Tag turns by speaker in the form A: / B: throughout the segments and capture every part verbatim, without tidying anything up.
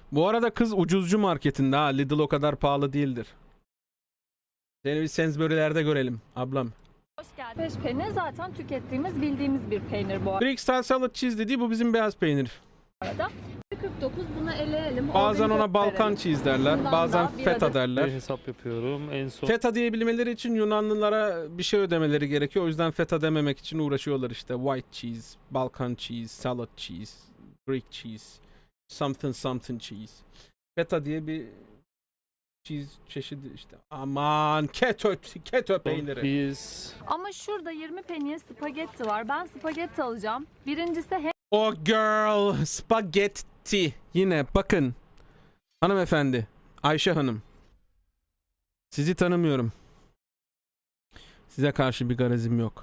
A: Bu arada kız ucuzcu marketinde ha. Lidl o kadar pahalı değildir. Seni bir Sainsbury'lerde görelim ablam.
B: Hoş geldin. Fresh peynir zaten tükettiğimiz, bildiğimiz bir peynir bu
A: Greek style salad cheese dediği bu bizim beyaz peynir.
B: arada. kırk dokuz bunu eleyelim.
A: Bazen
B: organik
A: ona Balkan
B: verelim.
A: cheese derler.
B: Bundan
A: Bazen
B: da bir
A: feta
B: adet-
A: derler.
C: Bir hesap yapıyorum. En son
A: Feta diyebilmeleri için Yunanlılara bir şey ödemeleri gerekiyor. O yüzden feta dememek için uğraşıyorlar işte. White cheese, Balkan cheese, salad cheese, Greek cheese, something something cheese. Feta diye bir cheese çeşidi işte. Aman keto, keto peyniri.
C: biz
B: Ama şurada yirmi peniye spagetti var. Ben spagetti alacağım. Birincisi hem
A: Oh girl, spaghetti. Yine bakın. Hanımefendi, Ayşe Hanım. Sizi tanımıyorum. Size karşı bir garazim yok.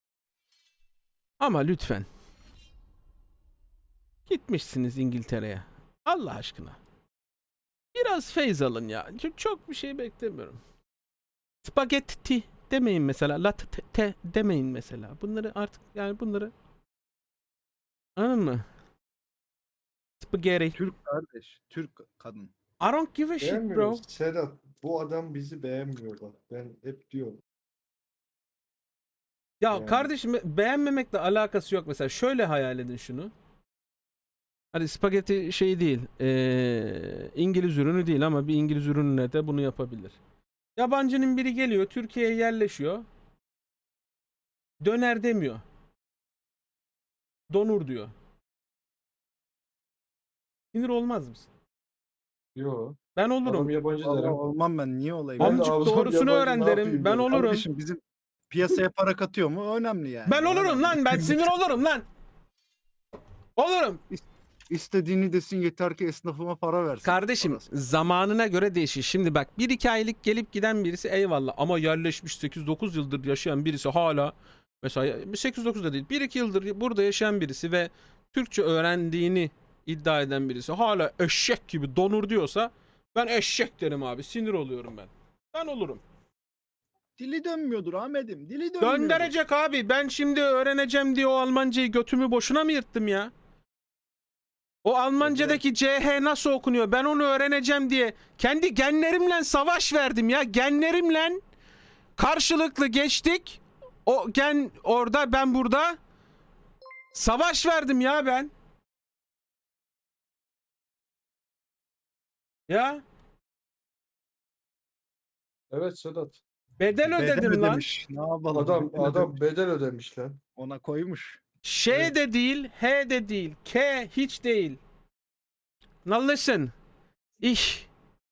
A: Ama lütfen. Gitmişsiniz İngiltere'ye. Allah aşkına. Biraz feyz alın ya. Çok, çok bir şey beklemiyorum. Spagetti demeyin mesela. Latte demeyin mesela. Bunları artık yani bunları anladın mı? Spaghetti.
D: Türk kardeş, Türk kadın.
A: I don't give a shit bro.
E: Beğenmiyoruz. Sedat, bu adam bizi beğenmiyor bak. Ben hep diyorum.
A: Ya
E: Yani.
A: kardeşim beğenmemekle alakası yok mesela. Şöyle hayal edin şunu. Hadi spagetti şey değil. Ee, İngiliz ürünü değil ama bir İngiliz ürününe de bunu yapabilir. Yabancının biri geliyor, Türkiye'ye yerleşiyor. Döner demiyor. Donur diyor. Sinir olmaz mısın?
E: Yo.
A: Ben
E: Adam
A: olurum.
E: yabancı
D: Vallahi
E: derim.
D: olmam ben, niye olayım?
E: Ben de
A: Amcık
E: ağzım
A: doğrusunu
E: yabancı,
A: öğren
E: ne
A: derim.
E: yapayım
A: Ben
E: derim.
A: olurum.
D: Kardeşim bizim piyasaya para katıyor mu? Önemli yani.
A: Ben olurum lan. Ben sinir olurum lan. Olurum.
D: İstediğini desin, yeter ki esnafıma para versin.
A: Kardeşim
D: Parası.
A: zamanına göre değişir. Şimdi bak bir iki aylık gelip giden birisi eyvallah ama yerleşmiş sekiz dokuz yıldır yaşayan birisi hala mesela sekiz dokuz da değil bir iki yıldır burada yaşayan birisi ve Türkçe öğrendiğini iddia eden birisi hala eşek gibi donur diyorsa ben eşek derim abi, sinir oluyorum ben. Ben olurum.
D: Dili dönmüyordur Ahmet'im. Dili dönmüyordur.
A: Döndürecek abi, ben şimdi öğreneceğim diye o Almancayı götümü boşuna mı yırttım ya? O Almancadaki C H nasıl okunuyor? Ben onu öğreneceğim diye kendi genlerimle savaş verdim ya. Genlerimle karşılıklı geçtik. O gen orada, ben burada. Savaş verdim ya ben. Ya
E: Evet Sedat.
A: bedel
D: Bedel
A: ödedim lan.
D: ödemiş. Ne yapalım?
E: Adam
D: Bedel
E: adam
D: ödemiş.
E: bedel ödemiş lan.
D: Ona koymuş.
A: Ş
E: Evet.
A: de değil, H de değil, K hiç değil. Now listen. İş.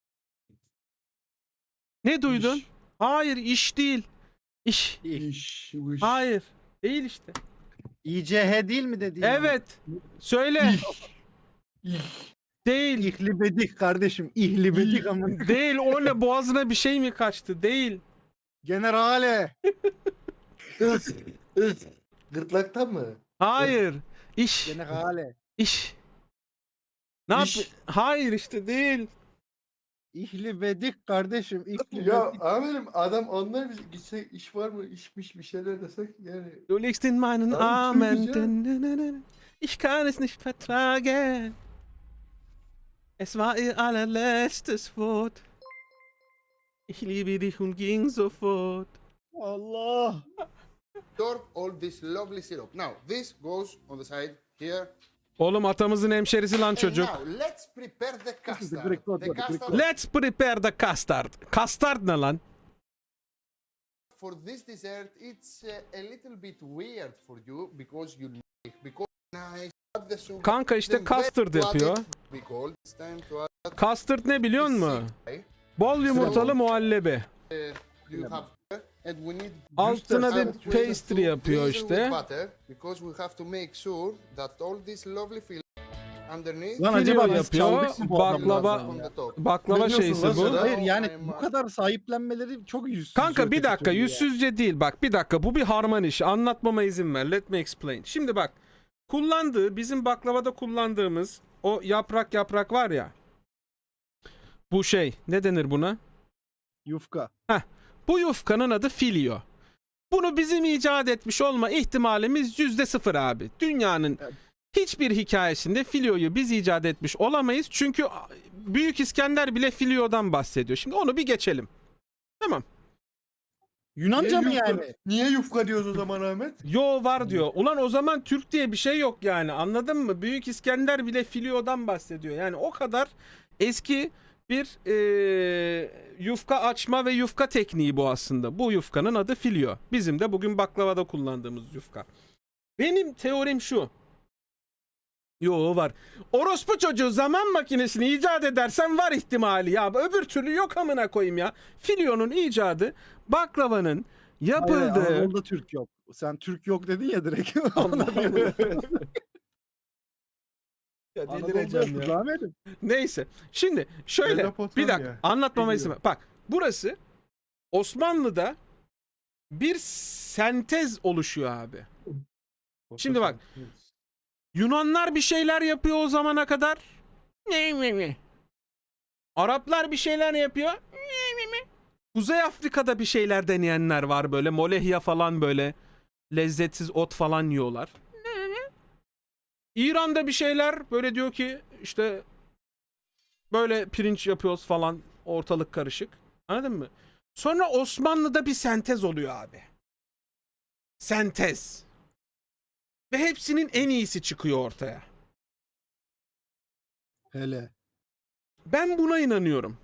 A: Ne duydun?
E: İş,
A: Hayır, iş değil. İş.
E: iş, iş.
A: Hayır. Değil işte.
D: İ C H değil mi dediğin?
A: Evet. Söyle. Değil.
D: İhlibedik kardeşim. İhlibedik ama.
A: Değil. O ne, boğazına bir şey mi kaçtı? Değil.
D: Generale.
E: Is, is. Gırtlaktan mı?
A: Hayır. İş.
D: Generale.
A: İş. Ne yap?
E: İş.
A: Hayır işte değil.
D: İhlibedik kardeşim. İhlibedik.
E: Ya amirim adam onlar biz gitsek iş var mı işmiş bir şeyler desek yani.
A: Du liegst in meinen
E: Abi,
A: Armen.
E: Türkçe.
A: Ich kann es nicht vertragen. Es war ihr allerletztes Wort. Ich liebe dich und ging sofort.
D: Allah.
F: Absorb all this lovely syrup. Now, this goes on the side here.
A: Oğlum atamızın hemşerisi lan
F: And
A: çocuk.
F: now, let's prepare the custard.
D: Greek god,
F: The
D: Greek god.
F: custard
A: Let's prepare the custard. Custard ne lan?
F: for this dessert, it's uh, a little bit weird for you because you like because nice. Add the sugar.
A: Kanka işte
F: then
A: custard
F: to add
A: yapıyor.
F: it. Be cold. It's time to add
A: Custard ne biliyor musun?
F: the
A: Bol yumurtalı muhallebi.
F: uh, you have and we need
A: Altına
F: and
A: bir
F: we have
A: pastry
F: to
A: yapıyor
F: drizzle
A: işte.
F: with butter because we have to make sure that all this lovely filling underneath
D: Lan
A: Filo
D: acaba biz
A: yapıyor,
D: çaldık mı bu
A: baklava-
D: adamlardan
F: on
D: ya?
F: the top.
A: Baklava
E: Ne diyorsun
A: şeysi
E: lan
A: bu.
E: sen?
D: Hayır yani
F: I'm,
D: bu
F: uh,
D: kadar sahiplenmeleri çok yüzsüz.
A: Kanka bir
D: öteki
A: dakika,
D: türlü ya.
A: yüzsüzce değil, bak bir dakika, bu bir harman işi, anlatmama izin ver, let me explain. Şimdi bak, kullandığı, bizim baklavada kullandığımız o yaprak yaprak var ya, bu şey ne denir buna?
D: Yufka.
A: Bu yufkanın adı filio. Bunu bizim icat etmiş olma ihtimalimiz yüzde sıfır abi. Dünyanın hiçbir hikayesinde filyoyu biz icat etmiş olamayız. Çünkü Büyük İskender bile filyodan bahsediyor. Şimdi onu bir geçelim. Tamam.
D: Yunanca mı
E: Niye yufka-
D: yani?
E: Niye yufka diyoruz o zaman Ahmet?
A: Yo var diyor. Ulan o zaman Türk diye bir şey yok yani. Anladın mı? Büyük İskender bile filyodan bahsediyor. Yani o kadar eski bir eee, yufka açma ve yufka tekniği bu aslında. Bu yufkanın adı filyo. Bizim de bugün baklavada kullandığımız yufka. Benim teorim şu. Yo var. Orospu çocuğu zaman makinesini icat edersen var ihtimali ya. Öbür türlü yok amına koyayım ya. Filyonun icadı baklavanın
D: Hayır,
A: yapıldığı...
D: Anadolu'da Türk yok. Sen Türk yok dedin ya direkt.
A: Ya
D: Anadolu'da
A: delireceğim
D: yok
A: ya.
D: Ahmet'im.
A: Neyse. Şimdi şöyle
E: Mezopotamya.
A: bir dakika anlatmama izin
E: Biliyorum.
A: ver. Bak burası Osmanlı'da bir sentez oluşuyor abi. Şimdi bak. Yunanlar bir şeyler yapıyor o zamana kadar. Ne ne ne. Araplar bir şeyler yapıyor. Ne ne ne. Kuzey Afrika'da bir şeyler deneyenler var böyle. Molehya falan böyle. Lezzetsiz ot falan yiyorlar. Ne ne. İran'da bir şeyler böyle diyor ki işte böyle pirinç yapıyoruz falan. Ortalık karışık. Anladın mı? Sonra Osmanlı'da bir sentez oluyor abi. Sentez. Ve hepsinin en iyisi çıkıyor ortaya.
D: Hele.
A: Ben buna inanıyorum.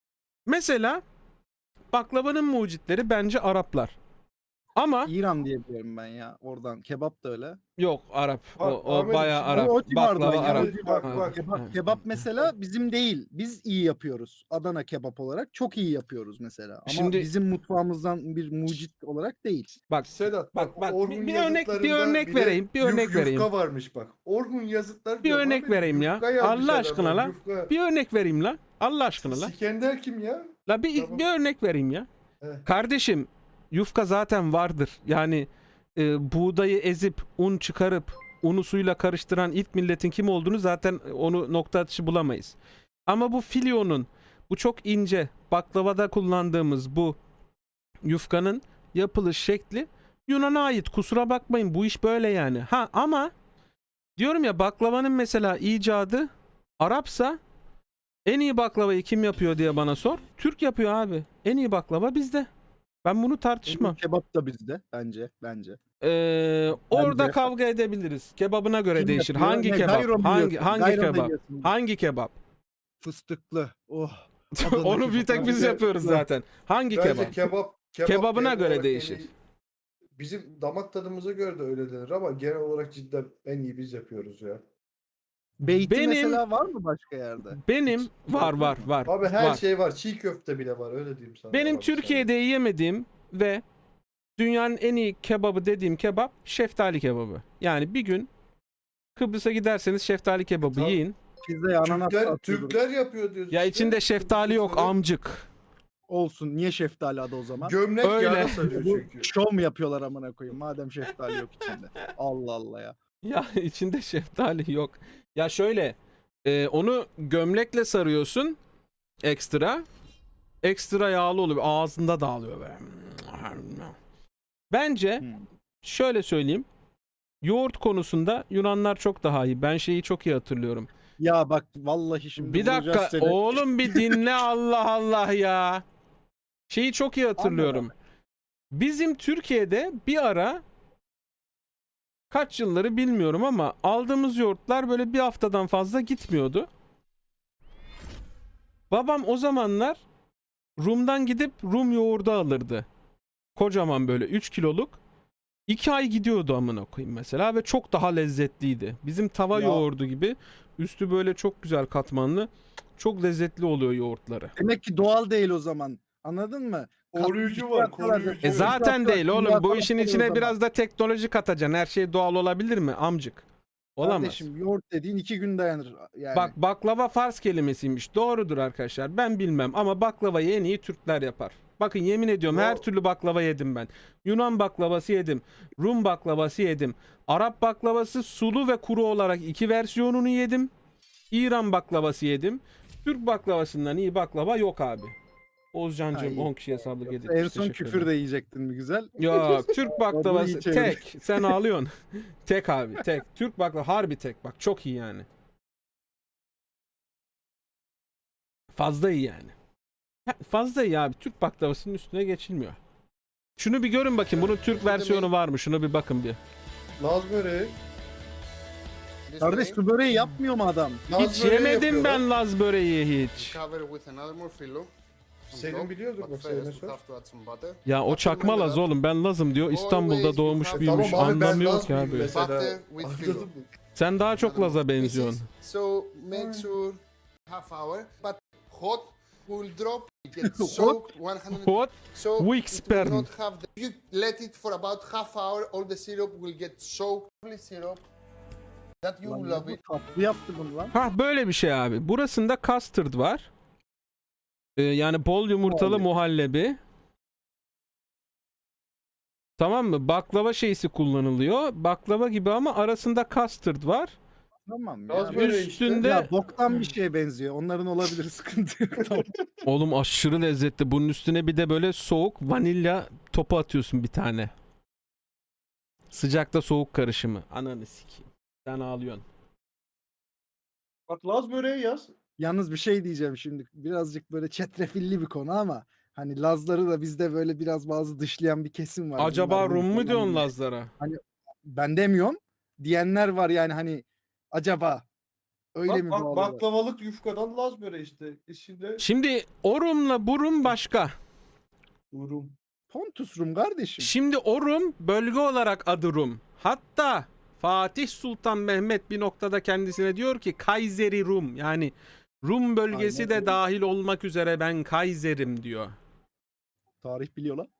A: Mesela baklavanın mucitleri bence Araplar. Ama
D: İran diye biliyorum ben ya. Oradan kebap da öyle.
A: yok Arap. O,
E: Bak,
A: o
E: Ahmet'im,
A: bayağı
E: şimdi
A: Arap.
D: o civardan
A: Baklava
D: ya,
A: Arap.
D: o
E: Bak
A: Ha,
E: bak.
D: Kebap,
A: ha.
D: kebap mesela bizim değil. Biz iyi yapıyoruz. Adana kebap olarak çok iyi yapıyoruz mesela. Ama
A: Şimdi-
D: bizim mutfağımızdan bir mucit olarak değil.
A: Bak
E: Sedat bak,
A: Bak, bak,
E: Orhun
A: bir- bir örnek- bir
E: yazıtlarında
A: örnek
E: bile
A: vereyim, bir
E: yuf-
A: örnek vereyim.
E: Yufka varmış bak. Orhun yazıtlar
A: bir
E: diyor,
A: örnek
E: abi,
A: vereyim ya.
E: yufka yazmış
A: Allah
E: adamlar,
A: aşkına la.
E: yufka.
A: Bir örnek vereyim la. Allah aşkına la.
E: İskender kim ya?
A: La bir,
E: Tamam.
A: bir örnek vereyim ya.
E: Evet.
A: Kardeşim yufka zaten vardır. Yani e, buğdayı ezip un çıkarıp unu suyla karıştıran ilk milletin kim olduğunu zaten onu nokta atışı bulamayız. Ama bu filyonun bu çok ince baklavada kullandığımız bu yufkanın yapılış şekli Yunan'a ait. Kusura bakmayın bu iş böyle yani. Ha ama diyorum ya baklavanın mesela icadı Arapsa en iyi baklavayı kim yapıyor diye bana sor. Türk yapıyor abi. En iyi baklava bizde. Ben bunu tartışmam.
D: Kebap da bizde bence. Bence.
A: Ee, orada
D: Bence-
A: kavga edebiliriz. Kebabına göre
D: Kim
A: değişir.
D: yapıyor?
A: Hangi
D: Ne,
A: kebap?
D: gayro mu
A: Hangi
D: yiyorsun?
A: hangi
D: Gayro mu
A: kebap?
D: yiyorsun?
A: Hangi kebap?
D: Fıstıklı. Oh. Adana
A: Onu bir tek
D: kebap.
A: biz
E: Bence-
A: yapıyoruz zaten. Hangi
E: Bence
A: kebap?
E: kebap, kebap
A: Kebabına
E: genel
A: göre
E: olarak en
A: değişir.
E: iyi- Bizim damak tadımıza göre de öyle denir ama genel olarak cidden en iyi biz yapıyoruz ya.
D: Beyti
A: Benim-
D: mesela var mı başka yerde?
A: Benim var var var.
E: Abi her
A: var.
E: şey var. Çiğ köfte bile var öyle diyeyim sana.
A: Benim
E: abi
A: Türkiye'de yemediğim ve dünyanın en iyi kebabı dediğim kebap şeftali kebabı. Yani bir gün Kıbrıs'a giderseniz şeftali kebabı
E: Tabii.
A: yiyin.
D: Pizzaya
E: sana.
D: ananas
E: Türkler,
D: atıyordur.
E: Türkler yapıyor diyoruz
A: Ya
E: işte.
A: içinde şeftali yok
E: Türkler-
A: amcık.
D: Olsun. Niye şeftali adı o zaman?
E: Gömlek
A: Öyle.
E: yağda sarıyor
D: Bu
E: çünkü.
D: şov mu yapıyorlar amına koyayım madem şeftali yok içinde. Allah Allah ya.
A: Ya içinde şeftali yok. Ya şöyle e, onu gömlekle sarıyorsun ekstra. Ekstra yağlı oluyor. Ağzında dağılıyor böyle. Bence
D: Hmm.
A: şöyle söyleyeyim. Yoğurt konusunda Yunanlar çok daha iyi. Ben şeyi çok iyi hatırlıyorum.
D: Ya bak vallahi şimdi
A: Bir
D: vuracağız
A: dakika
D: seni.
A: oğlum bir dinle Allah Allah ya. Şeyi çok iyi hatırlıyorum. Bizim Türkiye'de bir ara kaç yılları bilmiyorum ama aldığımız yoğurtlar böyle bir haftadan fazla gitmiyordu. Babam o zamanlar Rum'dan gidip Rum yoğurdu alırdı. Kocaman böyle üç kiloluk. iki ay gidiyordu amına koyayım mesela ve çok daha lezzetliydi. Bizim tava
D: Ya.
A: yoğurdu gibi üstü böyle çok güzel katmanlı. Çok lezzetli oluyor yoğurtları.
D: Demek ki doğal değil o zaman. Anladın mı?
E: Koruyucu var, koruyucu.
A: E zaten
D: Kimya
A: değil oğlum. Bu
D: falan
A: işin
D: oluyor o
A: içine
D: zaman.
A: biraz da teknoloji katacaksın. Her şey doğal olabilir mi amcık? Olamaz.
D: Kardeşim yoğurt dediğin iki gün dayanır. Yani.
A: Bak baklava Fars kelimesiymiş. Doğrudur arkadaşlar. Ben bilmem ama baklavayı en iyi Türkler yapar. Bakın yemin ediyorum
E: Yo.
A: her türlü baklava yedim ben. Yunan baklavası yedim. Rum baklavası yedim. Arap baklavası sulu ve kuru olarak iki versiyonunu yedim. İran baklavası yedim. Türk baklavasından iyi baklava yok abi. Oğuzcan'cığım
D: Ha, iyi.
A: on kişi hesabı
D: Yoksa
A: yedik.
D: en son küfür de yiyecektin mi güzel?
A: Yok Türk
D: iyi
A: baklavası
D: çevirdi.
A: tek. Sen ağlıyorsun. Tek abi tek. Türk baklava harbi tek. Bak çok iyi yani. Fazla iyi yani. Ha, Fazla iyi abi. Türk baklavasının üstüne geçilmiyor. Şunu bir görün bakayım. Bunun Türk versiyonu var mı? Şuna bir bakın bir.
E: Laz böreği.
F: This
D: Kardeş
F: way,
D: su böreği yapmıyor mu adam?
E: Laz
A: Hiç
E: böreği
A: yemedim
E: yapıyorlar.
A: ben Laz böreği hiç.
F: cover with another more filo. on
E: Senin
F: top,
E: biliyordur
F: but
E: bak,
F: first
E: Selin'e
F: we
E: sor.
F: have to add some butter.
A: Ya o
F: Butter
A: çakma
F: made
A: Laz
F: up
A: oğlum. Ben Laz'ım diyor. İstanbul'da doğmuş
F: Tamam
A: büyümüş.
E: Tamam abi ben
A: Anlamıyor
E: Laz
A: ki
E: mıyım
A: abi.
E: mesela?
F: Butter with filo.
E: Anladın mı?
A: Sen daha çok
F: Another
A: Laz'a
F: more pieces.
A: benziyorsun.
F: So make sure half hour, but hot will drop. It gets
D: Hot?
F: soaked one hundred.
A: What?
F: So
A: Weak
F: it will
A: sperm.
F: not have the, you let it for about half hour, all the syrup will get soaked. Lovely syrup that you will
D: Lan
F: love
D: bu
F: it.
D: tatlı yaptı bunu lan.
A: Ha böyle bir şey abi. Burasında custard var. Ee, yani bol yumurtalı muhallebi. Tamam mı? Baklava şeysi kullanılıyor. Baklava gibi ama arasında custard var.
D: Tamam
E: Laz
D: ya.
E: böreği işte.
A: Üstünde
D: Ya boktan bir şeye benziyor. Onların olabilir, sıkıntı yok. Tamam.
A: oğlum aşırı lezzetli. Bunun üstüne bir de böyle soğuk vanilya topu atıyorsun bir tane. Sıcakla soğuk karışımı. Ananı sikeyim. Sen ağlıyorsun.
E: Bak Laz böreği yaz.
D: Yalnız bir şey diyeceğim şimdi. Birazcık böyle çetrefilli bir konu ama hani Lazları da bizde böyle biraz bazı dışlayan bir kesim var.
A: Acaba
D: Bunlar bunu
A: Rum mu
D: falan
A: diyorsun
D: diye.
A: Lazlara?
D: Ben demiyorum. Diyenler var yani hani acaba öyle
E: Bak,
D: mi
E: bak
D: bağlılar?
E: baklavalık yufkadan Laz böreği işte. İçinde
A: Şimdi o Rum'la bu Rum başka.
E: durum.
D: Pontus Rum kardeşim.
A: Şimdi o Rum bölge olarak adı Rum. Hatta Fatih Sultan Mehmet bir noktada kendisine diyor ki Kayseri Rum. Yani Rum bölgesi
D: Aynen
A: de
D: öyle.
A: dahil olmak üzere ben Kaiser'im diyor.
D: Tarih biliyor lan.